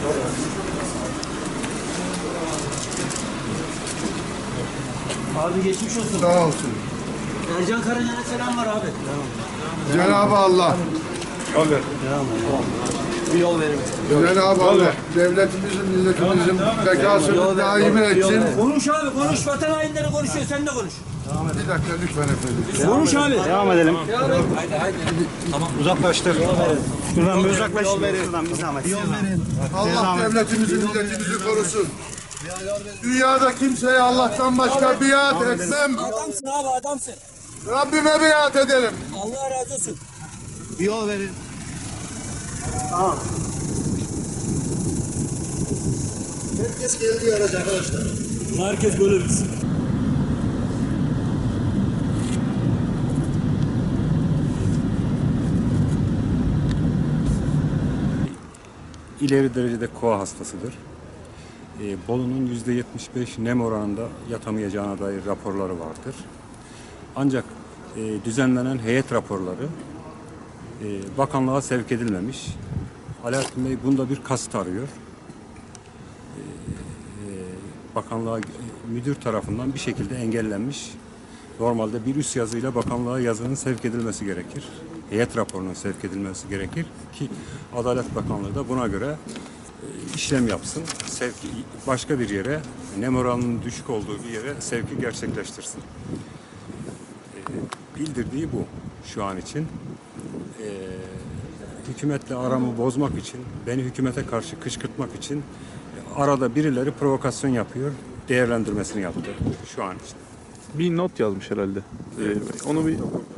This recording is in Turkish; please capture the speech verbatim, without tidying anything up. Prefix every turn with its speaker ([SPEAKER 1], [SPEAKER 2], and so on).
[SPEAKER 1] Abi geçmiş olsun.
[SPEAKER 2] Sağ olsun.
[SPEAKER 1] Ercan Karaca'ya selam var abi.
[SPEAKER 2] Cenab-ı Allah,
[SPEAKER 1] Bir yol verin.
[SPEAKER 2] Cenab-ı Allah devletimizin, milletimizin bekasını daim etsin.
[SPEAKER 1] Konuş abi konuş. Vatan hainleri konuşuyor. Sen de konuş.
[SPEAKER 2] Bir dakika lütfen efendim.
[SPEAKER 1] Konuş abi.
[SPEAKER 3] Devam edelim.
[SPEAKER 1] Haydi haydi. Tamam.
[SPEAKER 3] Uzaklaştır. Şuradan bir uzaklaş. Şuradan bir zahmet.
[SPEAKER 2] Allah devletimizi, milletimizi korusun. Dünyada kimseye Allah'tan başka biat etmem.
[SPEAKER 1] Adamsın abi adamsın.
[SPEAKER 2] Rabbime biat ederim.
[SPEAKER 1] Allah razı olsun.
[SPEAKER 3] Bir yol verin.
[SPEAKER 2] Herkes geldiği araç arkadaşlar.
[SPEAKER 1] Herkes böyle bilsin.
[SPEAKER 4] İleri derecede koa hastasıdır. E, Bolu'nun yüzde yetmiş beş nem oranında yatamayacağına dair raporları vardır. Ancak e, düzenlenen heyet raporları e, bakanlığa sevk edilmemiş. Alaaddin Bey bunda bir kasıt arıyor. E, e, bakanlığa e, müdür tarafından bir şekilde engellenmiş. Normalde bir üst yazıyla bakanlığa yazının sevk edilmesi gerekir. Heyet raporunun sevk edilmesi gerekir ki Adalet Bakanlığı da buna göre e, işlem yapsın. Sevki başka bir yere, nem oranının düşük olduğu bir yere sevki gerçekleştirsin. E, bildirdiği bu şu an için. E, hükümetle aramı bozmak için, beni hükümete karşı kışkırtmak için e, arada birileri provokasyon yapıyor, değerlendirmesini yaptı şu an için.
[SPEAKER 5] Bir not yazmış herhalde. Ee, onu bir